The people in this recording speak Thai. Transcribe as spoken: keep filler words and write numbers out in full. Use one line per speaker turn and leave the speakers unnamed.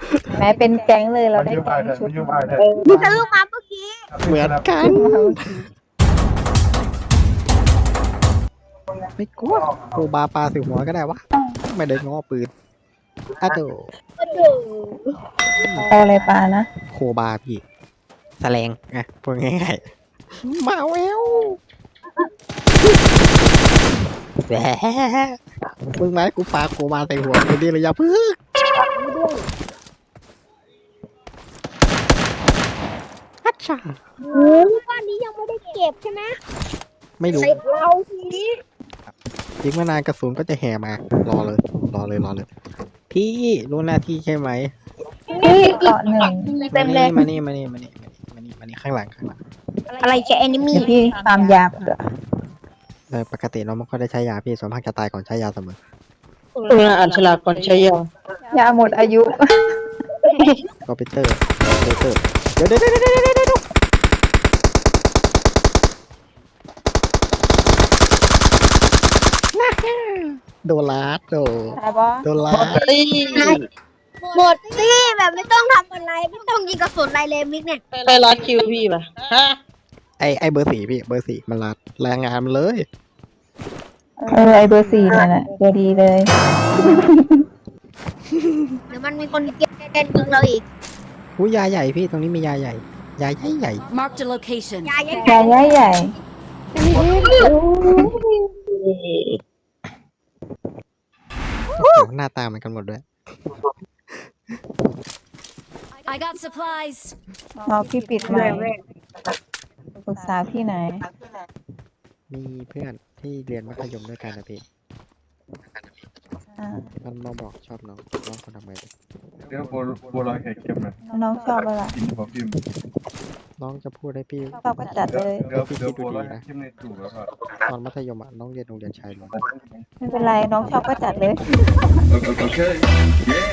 แม้เป็นแก๊งเลยเรา
มัน
ได้
ยืมไอ
แก๊ง
เถอะ
ชุด
มันยืมไอเถอะ
มึงทะลุมาเมื่อกี้
เหมือนกัน
มาเมื่อกี้
ไม่กลัวโคบาปลาสิหัวก็ได้วะไม่ได้ง้อปืนอ้าวโต
โอ้โห
เอาอะไรปลานะ
โคบาพี่แสลงไงพูดง่ายๆมาแววแหมมึงไหมกูปาโคบาใส่หัวกูดีเลยอย่าพึ่งฮัชชา
โอ้บ้านนี้ยังไม่ได้เก็บใช่ไหม
ไม่รู้
ใส่เราที
ยิงมานานกระสุนก็จะแห่มารอเลย รอเลยรอเลย พี่รู้หน้าที่ใช่ไหม
พี่เกาะหนึ่งเต็มเลย
มานี่มานี่มานี่มานี่มานี่ข้างหลังข้างหลัง
อะไรแค่แอนิมี
เดี๋ยวพี่ฟาร์มยาเผื่อ
โดยปกติเราไม่ค่อยได้ใช้ยาพี่ส่วนมากจะตายก่อนใช้ยาเสมอ
เอออ่านฉลากก่อนใช้ยาย
าหมดอายุ
คอมพิวเตอร์คอมพิวเตอร์เดี๋ยวเดี๋ยวเดี๋ยวเดี๋ยวเดี๋ยวเดี๋ยวโดนลาดโด
ตายบอ
โดนลาด
เฮ้ย
หมดสิแบบไม่ต้องทำอะไรไม่ต้องยิงกระสุนอะไรเลยมิกเนี่ย
ไปรัดคิวพี่ป่ะฮะ
ไอไอเบอร์สี่พี่เบอร์สี่มันลาดแรงงานมันเลย
เออไอเบอร์สี่นั่นแหละตัวดีเลย
เดี๋ยวมันมีคนเก็บแกนยิงเราอีก
อุ้ยยาใหญ่พี่ตรงนี้มียาใหญ่ยาใหญ่ใหญ่
Marked a location.
ยายยัง
ยาใหญ่ใหญ่
โอ้โหหน้าตาเหมือนกันหมดด้วย
I got supplies.
เอาพี่ปิดใหม่ปรึกษาพี่ไหน
มีเพื่อนที่เรียนมัธยมด้วยกันนะพี่
อ่า
มันมาบอกชอบน้องน้องคนทำไมดิ
เดี๋ยวบัวบัวลอยไข่เค็มนะ
น้องชอบอะไร
กินบอกพิมพ์
น้องจะพูดให้พี่
ชอบก็จัดเลย
เดี๋ยวเดี๋ยวบัวลอยไข่เค็มในตู้แล้วก็
ตอนมัธยมอ่ะน้องเรียนโรงเรียนชายล้วน
ไม่เป็นไรน้องชอบก็จัดเลย
โอเค